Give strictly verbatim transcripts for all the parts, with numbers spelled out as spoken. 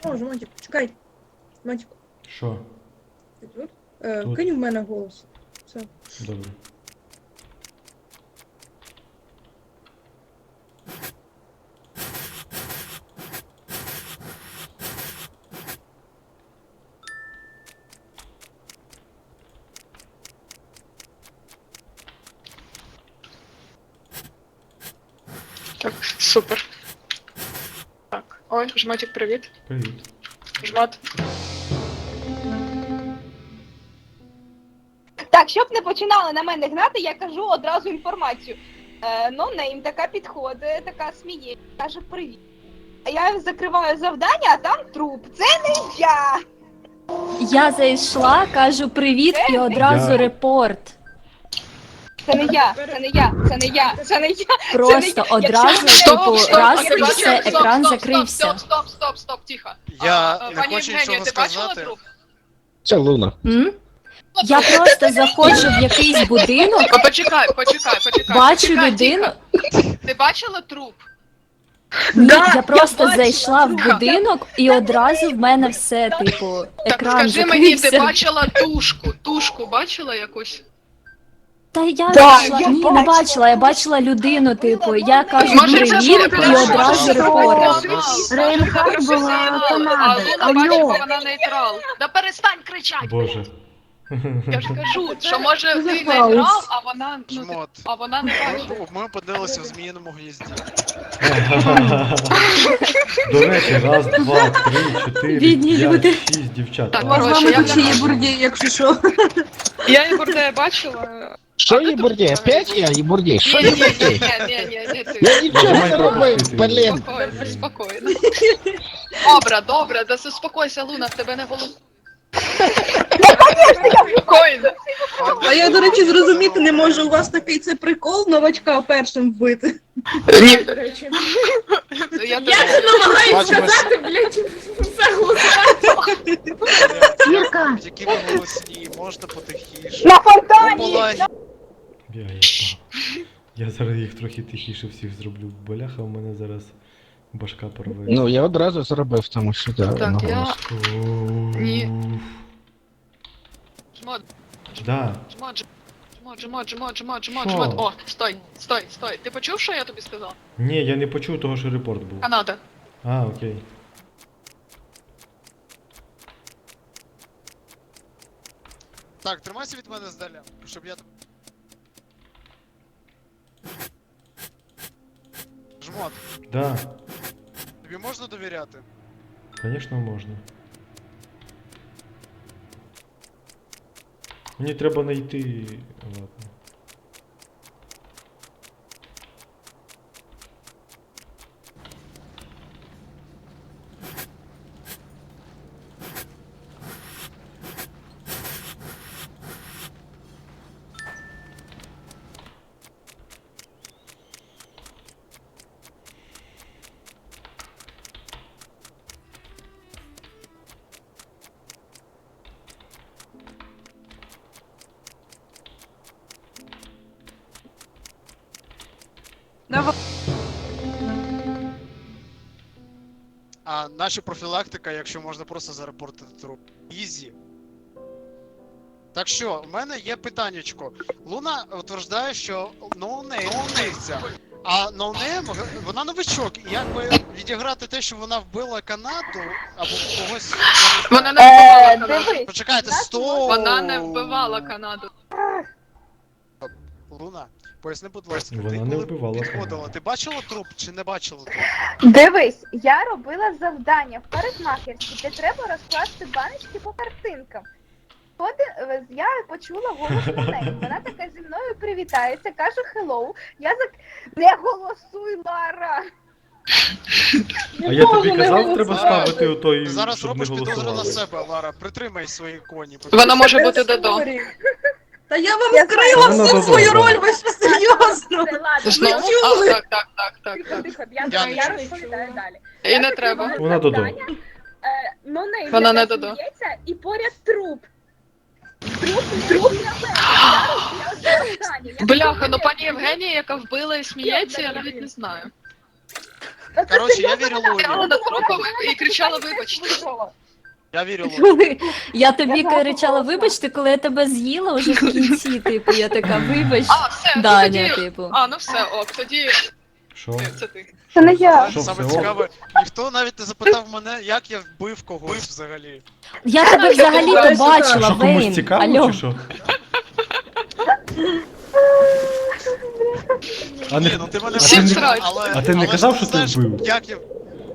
О, Жмотик, чекай. Жмотик, Що? ти тут? Е, Тут. Кинь в мене голос. Все. Добре. Так, супер. Так. Ой, жмотик, привіт. Привіт. Жмот. Так, щоб не починали на мене гнати, я кажу одразу інформацію. Е, ну, нейм така підходить, така сміє, каже привіт. А я закриваю завдання, а там труп. Це не я! Я зайшла, кажу привіт і одразу Я- репорт. Це не я, це не я, це не я, це не я. Просто я- одразу, якщо- типу, Стоп, раз стоп, і стоп, все, стоп, екран стоп, закрився. Стоп, стоп, стоп, стоп, тихо. Я А, не пані хочу Євгенія, нічого ти бачила сказати. труп? Це Луна. М? Я просто заходжу в якийсь будинок, О, почекай, почекай, почекай. бачу почекай, людину. тихо. Ти бачила труп? Ні, Да, я просто я бачила зайшла в труп. будинок і одразу в мене все, типу, Так екран скажи мені, ти закрився. бачила тушку? Тушку бачила якусь? Та я Да, зайшла, я ні, не бачила. бачила, я бачила людину, типу, я кажу Може, це привіт був і одразу репорт. Рейнхард була А Канада. Луна бачить, Алло. бо вона нейтрал. Да перестань кричати! Боже. Я ж кажу, що може Це ти за хаос. нейтрал, а вона, ну, Жмот. а вона не бачить. Ми, ми опинилися в зміїному гнізді. До речі, раз, два, три, чотири, Бідні люди. п'ять, шість дівчат. Так, А, коротше, З вами я тут ще є не- бурді, якщо що. Я Ігордея бачила. Що А ти є тут бурдій? взагалі Опять був? я і бурдій? Що Ні, є ні, ні, бурдій? ні, ні, ні, ні, ти. Я нічого не Давай робив, пропустити. блін. Спокійно, спокійно. Добре, добре, да заспокойся, Луна, в тебе не голос. Спокійно. А я, до речі, зрозуміти не можу, у вас такий це прикол новачка першим вбити. Ні, До речі. я Я це намагаюсь Бачимо. сказати, блядь, все голосувати. Як- Які ви голосні, можна потихіше. На Ну, фонтані! була Я, я, впав. Я зараз їх трохи тихіше всіх зроблю. Боляха, у мене зараз башка порветься. Ну, я одразу зробив, тому що да, Так, на я- голос. Ні. Жмот, Да. жмот, жмот, жмот, жмот, жмот, жмот, Що? жмот. О, стой, стой, стой. Ти почув, що я тобі сказав? Ні, я не почув того, що репорт був. Канада. А, окей. Так, тримайся від мене здаля, щоб я... Жмот, Да, тобі можна довіряти? звісно, можна. Мені треба знайти. Ладно. А наша профілактика, якщо можна просто зарепортити труп. Ізі. Так що, в мене є питаннячко. Луна утверждає, що ноунейм вбивця. А ноунейм, вона новичок. І якби відіграти те, що вона вбила Канаду, або когось. я Вона не не знаю. вбивала Е, Канаду. дивись, Почекайте, нас стоп! Вона не вбивала Канаду. Луна, поясни, будь ласка, Вона ти не коли вбивала підходила, Канаду. ти бачила труп чи не бачила труп? Дивись, я робила завдання в парикмахерській, де треба розкласти баночки по картинкам. Ходи- е, я почула голос неї. Вона така зі мною привітається, каже hello. Я зак... Не голосуй, Лара! А я тобі можу не казав, треба голосувати. ставити отой, Ти зараз щоб не робиш підозру на голосували. себе, Лара, притримай свої коні. Вона може бути додо. Та я вам Я вкрила знаю. всю Вона свою додому. роль, ви що серйозно? Це ладно, Знову? Ви чули? А, так, так, так, так, тихо, так. тихо, я, Я я, не чую. розповідаю далі. І Я не закриваю треба. Вона додо. завдання, е, Ну, неї Вона не така додо. сміється, і поряд труп. Труп, труп на мене. Я робила завдання. Я Бляха, ну така, пані Євгенія, яка вбила і сміється, я навіть не знаю. Коротше, я вірю Стояла Луні. над трупом і кричала вибачте. Я вірю Луні. Я тобі Я знаю, кричала, що вибачте, коли я тебе з'їла вже в кінці, типу, я така, вибач, А, все, ну Даня, тоді... типу. А, ну все, ок, тоді Що? ти, це ти. Це не я. Що, Саме все, о? цікаве, ніхто навіть не запитав мене, як я вбив когось взагалі. Я тебе взагалі-то Що, бачила, Що, комусь Вейн. цікаво, Алло. чи що? А Ні, не... ну ти мене А Всім ти не- срать. але... А ти не але казав, ж що ти знаєш, вбив? Як я...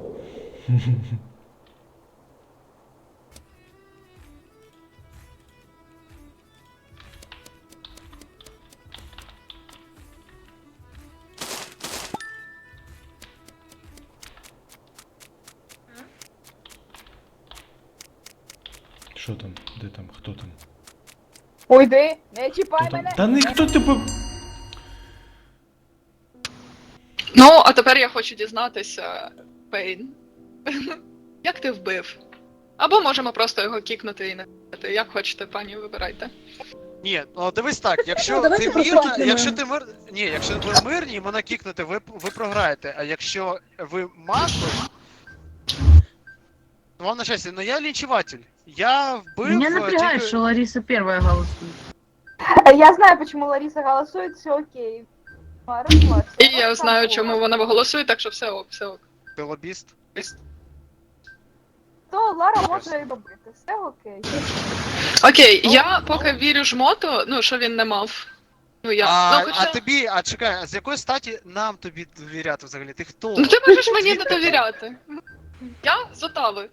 Що там? Де там? Хто там? Уйди, не Хто чіпай там? мене. Та ніхто тебе... Ну, а тепер я хочу дізнатися, Пейн. Як ти вбив? Або можемо просто його кікнути і не вбити. Як хочете, пані, вибирайте. Ні, ну дивись так, якщо Ну, давайте ти просто мирна, кікнемо. якщо ти мир... Ні, якщо ви мирні і мене кікнете, ви, ви програєте, а якщо ви масло, то вам на щастя, ну я лінчуватель. Я вбив... Меня е, напрягает, тільки- что Лариса первая голосует. Я знаю, почему Лариса голосует, все окей. А, расслабься. І Вот я так знаю, вот. чому вона голосує, так що все ок, все ок. Ти лобіст. То Лара може і робити, все окей. Окей, я поки вірю жмоту, ну, що він не мав. Ну, я. А, ну, хоча... а тобі, а чекай, а з якої статі нам тобі довіряти взагалі? Ти хто? Ну, ти можеш мені не Звідки ти? довіряти. Я з Отави.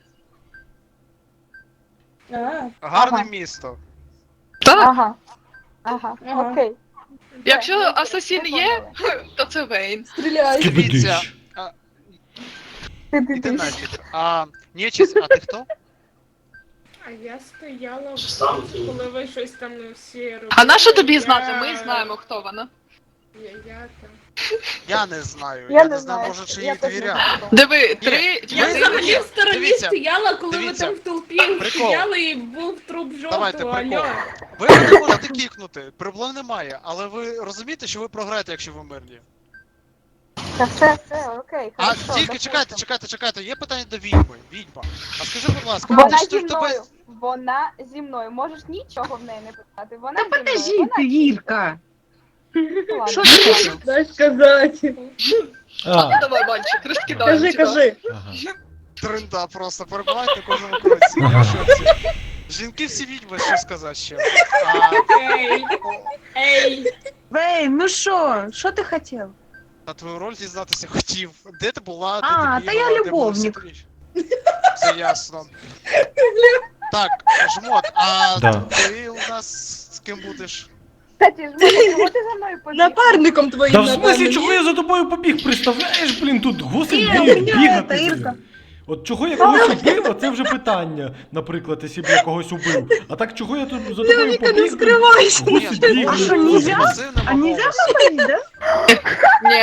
А, Гарне Ага. місто. Так, Ага. Ага, Ага. окей. якщо Все, асасін ми є, поняли. то це Вейн. стріляй. Дивіться. Ти, ти, Іди ти. нафіг. А, нечисть, а ти хто? А я стояла, коли ви щось там всі робили. А на що тобі я- знати? Ми знаємо, хто вона. Я, я там. Я не знаю. Я Я, не не знаю, знаю. може, чи Я їй теж не довіряти. знаю. Диви, три Я Дивіться, взагалі єдині. в стороні дивіться, стояла, коли дивіться. ви там в толпі Прикол. стояли і був труп Давайте, жовтого, прикол. алло. Ви мене можете кікнути, проблем немає, але ви розумієте, що ви програєте, якщо ви мирні. Та все, все, окей. А хорошо, тільки допустим. чекайте, чекайте, чекайте, є питання до відьми. Відьма. А скажи, будь ласка, Вона чи зі ж тебе... мною. Вона зі мною. Можеш нічого в неї не питати. Вона Да зі мною. подожди Вона... ты, Вирка. Ладно. Что ты там? Дай сказати. А, Давай, мальчик, розкидаємо Кажи, тебе. кажи. ага. Тренда просто перебувають на кожному кроці. Я в шоці. Жінки всі відьми, що сказати ще. А, Ей, ей. Вей, ну что? Что ты хотел? на твою роль дізнатися хотів. Де ти була, де А, ти та бігала, я де була любовник. всі тріч? Все ясно. Так, жмот, а Да. ти у нас з ким будеш? Кстати, жмот, чого ти за мною побіг? Напарником твоїм, Та в смислі, напевно, чого ні? я за тобою побіг? Представляєш, блін, тут гусить Ні, біг, у мене бігати. це, блін. Ірка. От чого я когось убив, це вже питання, наприклад, якщо б я когось убив. А так чого я тут за тобою Вероніка, не побіг? блін? скривайся. Гусить Ні, біг. А ну, що, блін. нельзя? пасивним А нельзя голосом. говорить, да? Ні,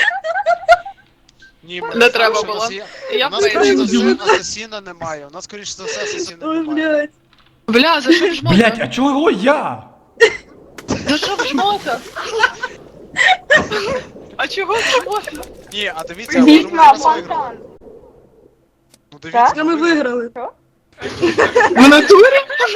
Ні, Не треба скоріше було. за все- я У нас, скоріше за Вейн. все, асасіна немає. У нас, скоріше за все, асасіна Ой, немає. блядь. Бля, за що в жмота? Блять, а чого я? За що в жмота? А чого в жмота? Ні, а дивіться, може ми Відьма, зараз виграли. фонтан. Ну дивіться, Ми виграли. В натурі?